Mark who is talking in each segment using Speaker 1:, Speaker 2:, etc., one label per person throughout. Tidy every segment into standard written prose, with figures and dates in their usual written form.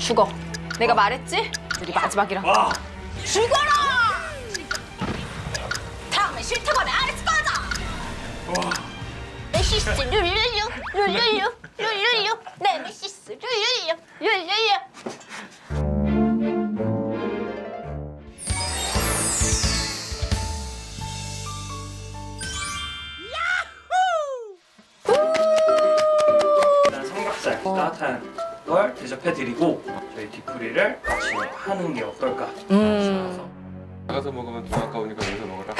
Speaker 1: 죽어. 내가 말했지? 우리 마지막이라고. 죽어라! 다음에 싫다고 하면 아래서 꺼져! 메시스 룰루루 룰루루 룰루루 네메시스 룰루루 룰루루.
Speaker 2: 일단 삼겹살 따뜻한 걸 대접해드리고 저희 뒤풀이를 같이 하는 게 어떨까 싶어서
Speaker 3: 나가서 먹으면 돈 아까우니까 여기서 먹어라.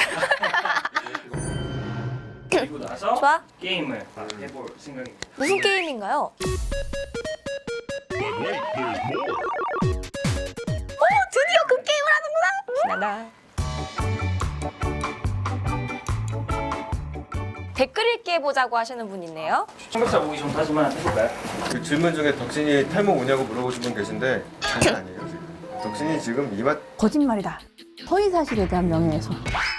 Speaker 2: 그리고 나서
Speaker 1: 좋아.
Speaker 2: 게임을 해볼 생각입니다.
Speaker 1: 무슨 게임인가요? 드디어 그 게임을 하는구나. 댓글 읽기 해보자고 하시는 분 있네요.
Speaker 2: 삼겹살 보기 전까지만 해볼까요?
Speaker 3: 그 질문 중에 덕진이 탈모 오냐고 물어보신 분 계신데 장난 아니에요 지금. 덕진이 지금 이마
Speaker 4: 거짓말이다. 허위사실에 대한 명예훼손.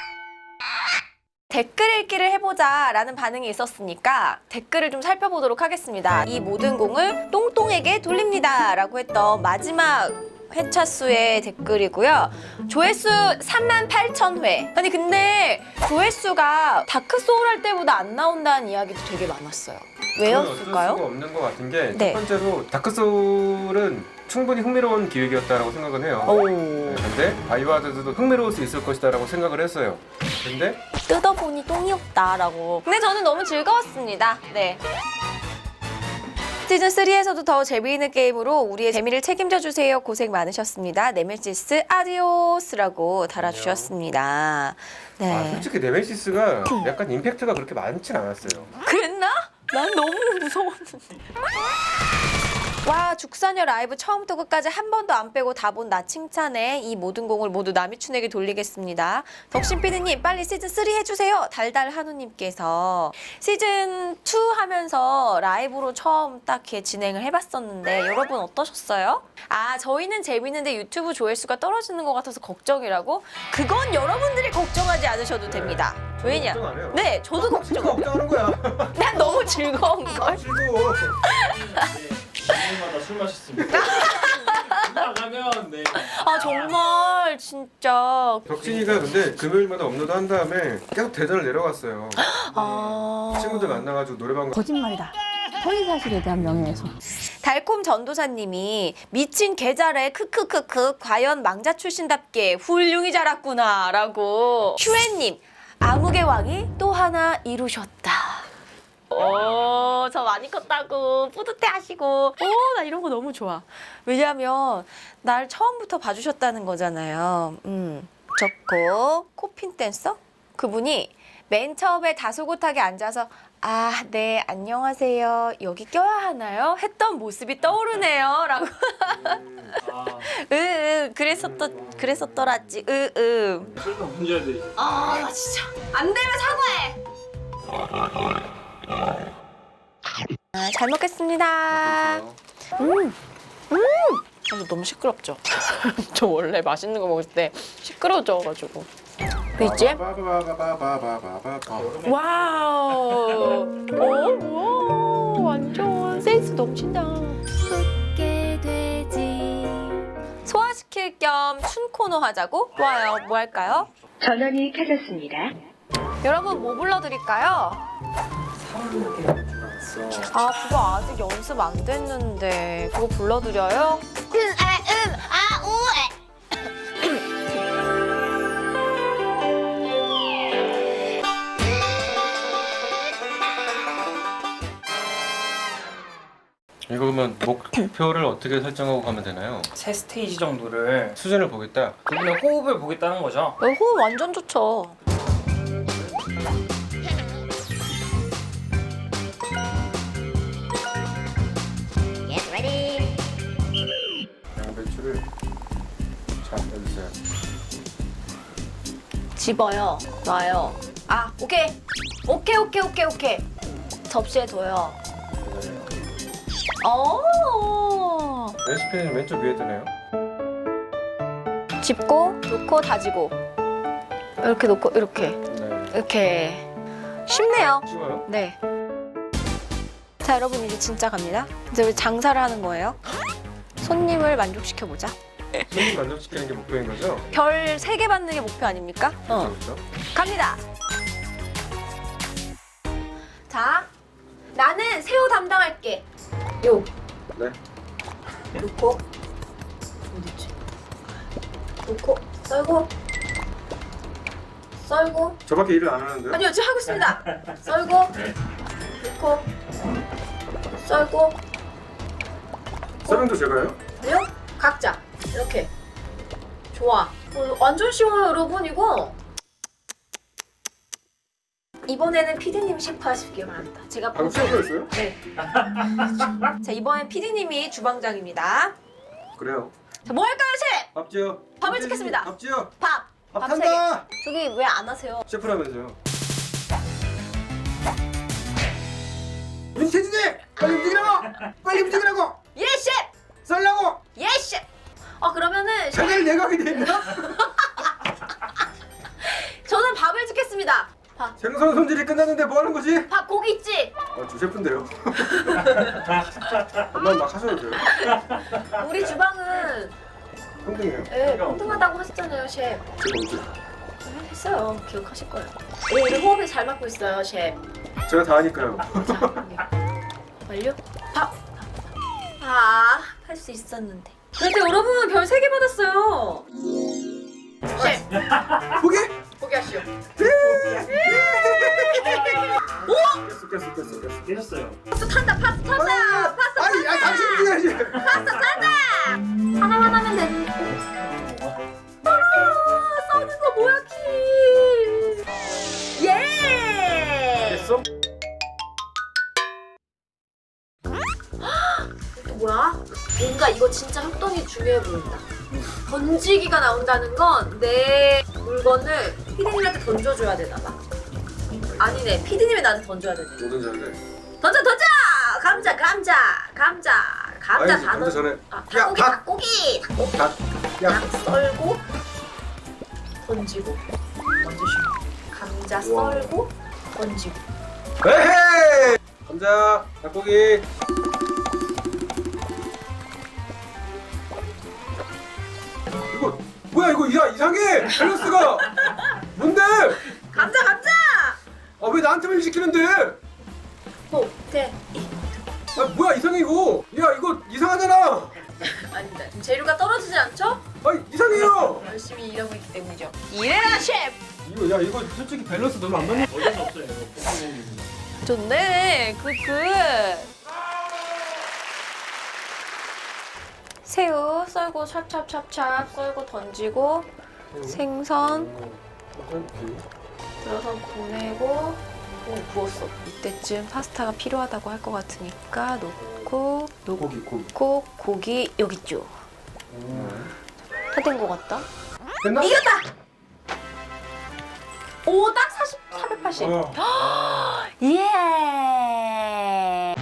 Speaker 1: 댓글 읽기를 해보자라는 반응이 있었으니까 댓글을 좀 살펴보도록 하겠습니다. 이 모든 공을 똥똥에게 돌립니다 라고 했던 마지막 회차 수의 댓글이고요. 조회수 38,000회. 아니 근데 조회수가 다크소울 할 때보다 안 나온다는 이야기도 되게 많았어요.
Speaker 3: 어쩔 수가
Speaker 1: 왜였을까요?
Speaker 3: 없는 것 같은 게
Speaker 1: 네.
Speaker 3: 첫 번째로 다크소울은 충분히 흥미로운 기획이었다라고 생각은 해요.
Speaker 1: 오.
Speaker 3: 근데 바이오하자드도 흥미로울 수 있을 것이다라고 생각을 했어요. 근데
Speaker 1: 뜯어보니 똥이었다라고. 근데 저는 너무 즐거웠습니다. 네. 시즌3에서도 더 재미있는 게임으로 우리의 재미를 책임져 주세요. 고생 많으셨습니다. 네메시스 아디오스라고 달아주셨습니다. 네.
Speaker 3: 솔직히 네메시스가 약간 임팩트가 그렇게 많진 않았어요.
Speaker 1: 그랬나? 난 너무 무서웠는데. 와, 죽사녀 라이브 처음부터 끝까지 한 번도 안 빼고 다 본 나 칭찬해. 이 모든 공을 모두 남이춘에게 돌리겠습니다. 덕신 PD님 빨리 시즌3 해주세요. 달달 한우님께서 시즌2 하면서 라이브로 처음 딱 이렇게 진행을 해봤었는데 여러분 어떠셨어요? 아, 저희는 재밌는데 유튜브 조회수가 떨어지는 것 같아서 걱정이라고? 그건 여러분들이 걱정하지 않으셔도 됩니다. 왜냐?
Speaker 3: 걱정 안 해요.
Speaker 1: 네, 저도 걱정.
Speaker 3: 걱정하는 거야.
Speaker 1: 난 너무 즐거운걸?
Speaker 3: 즐거워.
Speaker 2: 오늘마다 술 마셨습니다. 나가면 네.
Speaker 1: 아 정말 진짜
Speaker 3: 덕진이가 근데 금요일마다 업로드 한 다음에 계속 대전을 내려갔어요. 친구들 만나가지고 노래방
Speaker 4: 거짓말이다. 허위사실에 대한 명예훼손.
Speaker 1: 달콤 전도사님이 미친 개잘해 크크크크 과연 망자 출신답게 훌륭히 자랐구나 라고 슈엔님 암흑의 왕이 또 하나 이루셨다. 오, 저 많이 컸다고 뿌듯해 하시고 오, 나 이런 거 너무 좋아. 왜냐면 날 처음부터 봐주셨다는 거잖아요. 좋고 코핀 댄서? 그분이 맨 처음에 다소곳하게 앉아서 아, 네, 안녕하세요. 여기 껴야 하나요? 했던 모습이 떠오르네요. 라고. 그랬었더라지.
Speaker 2: 술도 문제야 돼.
Speaker 1: 아, 나 진짜. 안 되면 사과해. 아, 잘 먹겠습니다. 아, 너무 시끄럽죠? 저 원래 맛있는 거 먹을 때 시끄러워져가지고. 있지? 와우. 뭐야. 완전 센스 넘친다. 웃게 되지. 소화시킬 겸 춘코너 하자고? 좋아요. 뭐 할까요?
Speaker 5: 전원이 켜졌습니다.
Speaker 1: 여러분 뭐 불러드릴까요? 아, 그거 아직 연습 안 됐는데 그거 불러드려요?
Speaker 3: 이거 그러면 목표를 어떻게 설정하고 가면 되나요?
Speaker 2: 세 스테이지 정도를
Speaker 3: 수준을 보겠다.
Speaker 2: 그분의 호흡을 보겠다는 거죠.
Speaker 1: 호흡 완전 좋죠.
Speaker 3: 양배추를 잘 해주세요.
Speaker 1: 집어요. 놔요. 아, 오케이. 오케이. 접시에 둬요.
Speaker 3: 레시피는 왼쪽 위에 뜨네요.
Speaker 1: 집고, 놓고, 다지고. 이렇게 놓고, 이렇게.
Speaker 3: 네.
Speaker 1: 이렇게. 쉽네요.
Speaker 3: 쉬워요?
Speaker 1: 네. 자, 여러분 이제 진짜 갑니다. 이제 우리 장사를 하는 거예요. 손님을 만족시켜보자.
Speaker 3: 손님 만족시키는 게 목표인 거죠?
Speaker 1: 별 3개 받는 게 목표 아닙니까?
Speaker 3: 그렇죠.
Speaker 1: 갑니다. 자, 나는 새우 담당할게. 요.
Speaker 3: 네.
Speaker 1: 놓고. 어디지? 놓고. 썰고. 썰고.
Speaker 3: 저밖에 일을 안 하는데요?
Speaker 1: 아니요, 지금 하고 있습니다. 썰고. 놓고. 썰고.
Speaker 3: 썰은도 제가요?
Speaker 1: 그래요? 각자. 이렇게. 좋아. 완전 쉬워요, 여러분, 이거. 이번에는 피디님 셰프하시길 바랍니다. 제가
Speaker 3: 방금 셰프였어요?
Speaker 1: 네. 자, 이번엔 피디님이 주방장입니다.
Speaker 3: 그래요.
Speaker 1: 자, 뭐 할까요, 셰프?
Speaker 3: 밥지요.
Speaker 1: 밥을 찍겠습니다.
Speaker 3: 밥지요.
Speaker 1: 밥.
Speaker 3: 밥
Speaker 1: 밥
Speaker 3: 탄다.
Speaker 1: 3개. 저기 왜 안 하세요?
Speaker 3: 셰프라면서요. 윤태진이 빨리 움직이라고! 빨리 움직이라고!
Speaker 1: 예, 셰프!
Speaker 3: 썰라고!
Speaker 1: 예, 셰프! 그러면은 셰프,
Speaker 3: 자기를 내가 하게 돼 있나?
Speaker 1: 저는 밥을 찍겠습니다. 밥.
Speaker 3: 생선 손질이 끝났는데 뭐 하는 거지?
Speaker 1: 밥, 고기 있지?
Speaker 3: 주 셰프인데요. 엄마 막 하셔도 돼요.
Speaker 1: 우리 주방은
Speaker 3: 평등해요.
Speaker 1: 예, 평등하다고 하셨잖아요, 셰프.
Speaker 3: 제가 언제?
Speaker 1: 했어요. 기억하실 거예요. 우리 호흡이 잘 맞고 있어요, 셰프.
Speaker 3: 제가 다 하니까요.
Speaker 1: 자, 여기. 완료? 밥! 할 수 있었는데. 그래도 여러분 별 3개 받았어요. 셰프,
Speaker 3: 포기?
Speaker 1: 포기하시오.
Speaker 3: 깼어.
Speaker 2: 깨졌어요.
Speaker 1: 파스타 탄다, 파스타 탄다! 파스타
Speaker 3: 아니, 당신 움직여야지.
Speaker 1: 파스타 탄다! 하나만 하면 되는데. 써는 거 뭐야, 키! 예!
Speaker 3: 됐어?
Speaker 1: 또 뭐야? 뭔가 이거 진짜 협동이 중요해 보인다. 던지기가 나온다는 건 내 물건을 피디님한테 던져줘야 되나 봐. 아니네, 피디님이 나한테 던져야 되네.
Speaker 3: 뭐든지 할래.
Speaker 1: 던져! 감자
Speaker 3: 아니지,
Speaker 1: 다
Speaker 3: 던져 전에.
Speaker 1: 닭고기
Speaker 3: 야,
Speaker 1: 닭고기
Speaker 3: 닭. 야.
Speaker 1: 닭 썰고 던지고 던지시고 감자
Speaker 3: 우와.
Speaker 1: 썰고 던지고.
Speaker 3: 에헤이! 감자, 닭고기. 이거 뭐야 이거 이상해! 밸런스가! 뭔데?
Speaker 1: 감자
Speaker 3: 아 왜 나한테만 시키는데?
Speaker 1: 호태
Speaker 3: 아 뭐야 이상해 이거! 야 이거 이상하잖아!
Speaker 1: 아닙니다. 재료가 떨어지지 않죠?
Speaker 3: 아 이상해요!
Speaker 1: 열심히 일하고 있기 때문이죠. 이래라 셰프.
Speaker 3: 이거 솔직히 밸런스 너무 안 맞는.
Speaker 2: 어쩔 수 없어요. 이거.
Speaker 1: 좋네. 굿. 새우 썰고 찹찹찹찹 썰고 던지고 생선 들어서 보내고 구웠어. 이때쯤 파스타가 필요하다고 할 것 같으니까 놓고 고기 여기 있죠. 다 된 것 같다.
Speaker 3: 됐나?
Speaker 1: 이겼다. 오, 딱 480. 예.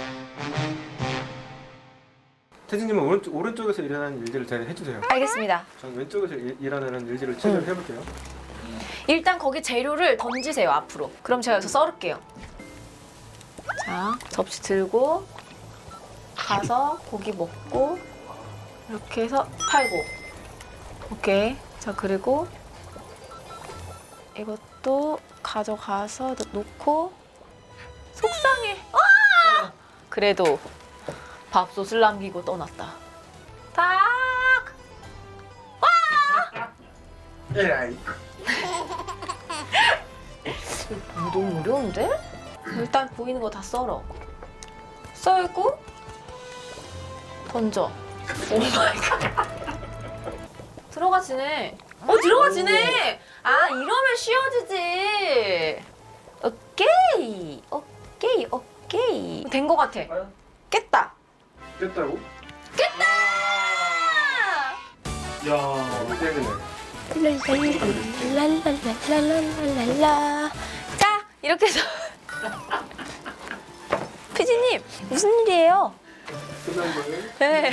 Speaker 3: 태진님은 오른쪽에서 일하는 일들을 잘 해주세요.
Speaker 1: 알겠습니다.
Speaker 3: 저는 왼쪽에서 일하는 일들을 최대한 해볼게요.
Speaker 1: 일단 거기 재료를 던지세요, 앞으로. 그럼 제가 여기서 썰을게요. 자, 접시 들고 가서 고기 먹고 이렇게 해서 팔고. 오케이. 자, 그리고 이것도 가져가서 놓고 속상해. 아! 그래도 밥솥을 남기고 떠났다. 닭!
Speaker 3: 에라이.
Speaker 1: 너무 어려운데? 일단 보이는 거 다 썰어. 썰고 던져. 오 마이 갓. 들어가지네. 들어가지네. 아, 이러면 쉬워지지. 오케이. 된 거 같아. 깼다.
Speaker 3: 깼다고?
Speaker 2: 야.
Speaker 3: 때문에.
Speaker 1: 랄랄랄랄랄랄랄랄라. 자, 이렇게 해서 피디님 무슨 일이에요?
Speaker 3: 끝난 거예요?
Speaker 1: 네.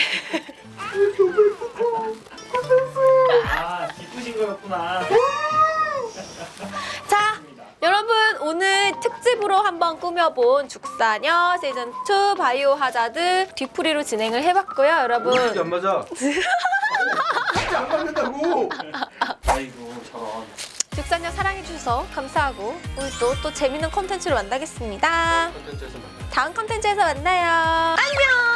Speaker 2: 아, 기쁘신 거였구나.
Speaker 1: 자, 여러분 오늘 특집으로 한번 꾸며본 죽사녀 시즌2 바이오 하자드 뒤풀이로 진행을 해봤고요.
Speaker 3: 이게
Speaker 1: 여러분
Speaker 3: 안 맞아. 이게 안 맞는다고.
Speaker 2: 아이고 저런.
Speaker 1: 죽사녀 사랑해주셔서 감사하고 오늘 또 재밌는 콘텐츠로 만나겠습니다.
Speaker 3: 콘텐츠에서 만나.
Speaker 1: 다음 콘텐츠에서 만나요. 안녕.